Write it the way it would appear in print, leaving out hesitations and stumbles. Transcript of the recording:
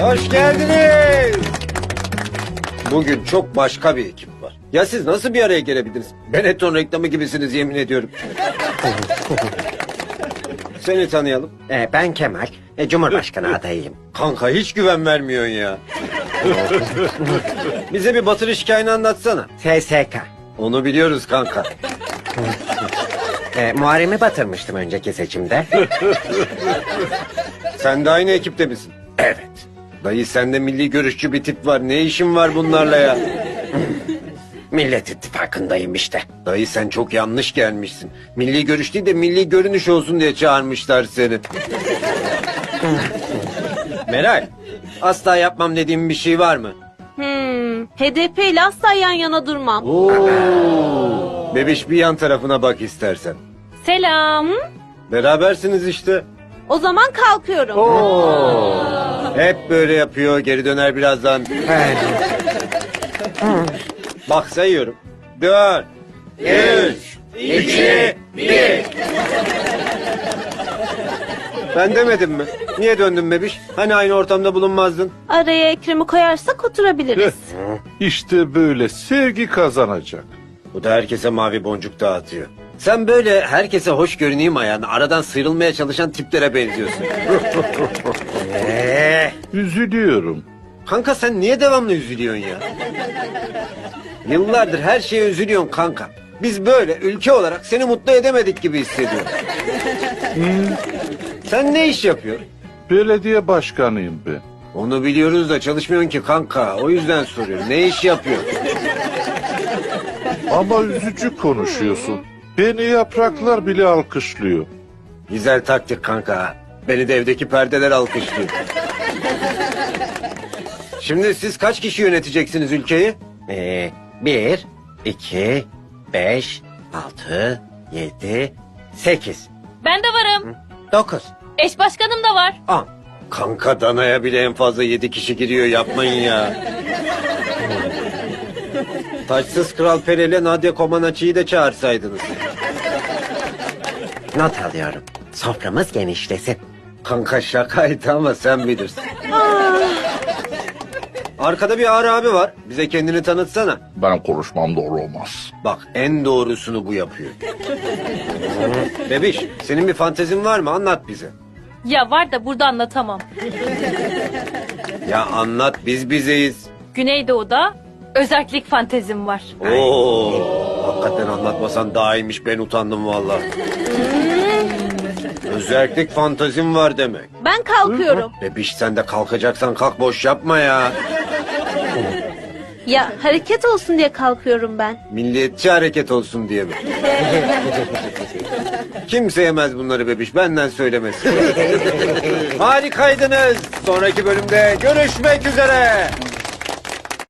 Hoş geldiniz. Bugün çok başka bir ekip var. Ya siz nasıl bir araya gelebildiniz? Benetton reklamı gibisiniz yemin ediyorum. Seni tanıyalım. Ben Kemal, Cumhurbaşkanı adayıyım. Kanka hiç güven vermiyorsun ya. Bize bir batırış hikayeni anlatsana. SSK. Onu biliyoruz kanka. Muharrem'i batırmıştım önceki seçimde. Sen de aynı ekipte misin? Evet. Dayı sende milli görüşçü bir tip var. Ne işin var bunlarla ya? Millet İttifakı'ndayım işte. Dayı sen çok yanlış gelmişsin. Milli görüş değil de milli görünüş olsun diye çağırmışlar seni. Meral, asla yapmam dediğim bir şey var mı? HDP ile asla yan yana durmam. Bebiş bir yan tarafına bak istersen. Selam. Berabersiniz işte. O zaman kalkıyorum. Hep böyle yapıyor, geri döner birazdan. Bak sayıyorum. 4, 3, 2, 1. Ben demedim mi? Niye döndün bebiş? Hani aynı ortamda bulunmazdın? Araya Ekrem'i koyarsak oturabiliriz. İşte böyle sevgi kazanacak. Bu da herkese mavi boncuk dağıtıyor. Sen böyle herkese hoş görüneyim ayağına aradan sıyrılmaya çalışan tiplere benziyorsun. Üzülüyorum. Kanka sen niye devamlı üzülüyorsun ya? Yıllardır her şeye üzülüyorsun kanka. Biz böyle ülke olarak seni mutlu edemedik gibi hissediyorum. Sen ne iş yapıyorsun? Belediye başkanıyım ben. Onu biliyoruz da çalışmıyorsun ki kanka. O yüzden soruyorum. Ne iş yapıyorsun? Ama üzücü konuşuyorsun. Beni yapraklar bile alkışlıyor. Güzel taktik kanka. Beni de evdeki perdeler alkışlıyor. Şimdi siz kaç kişi yöneteceksiniz ülkeyi? 1, 2, 5, 6, 7, 8, Ben de varım. 9, Eş başkanım da var. 10. Kanka danaya bile en fazla 7 kişi giriyor yapmayın ya. Taçsız Kral Pere ile Nadia Comaneci'yi de çağırsaydınız. Not alıyorum. Soframız genişlesin. Kanka şakaydı ama sen bilirsin. Arkada bir Ağrı abi var. Bize kendini tanıtsana. Ben konuşmam doğru olmaz. Bak en doğrusunu bu yapıyor. Bebiş senin bir fantezin var mı? Anlat bize. Ya var da burada anlatamam. Ya anlat biz bizeyiz. Güneydoğu'da özellik fantezim var. Oo, hakikaten anlatmasan daha iyiymiş ben utandım valla. Özellik fantazim var demek. Ben kalkıyorum. Bebiş sen de kalkacaksan kalk boş yapma ya. Ya hareket olsun diye kalkıyorum ben. Milliyetçi hareket olsun diye mi? Kimse yemez bunları bebiş benden söylemesin. Harikaydınız. Sonraki bölümde görüşmek üzere.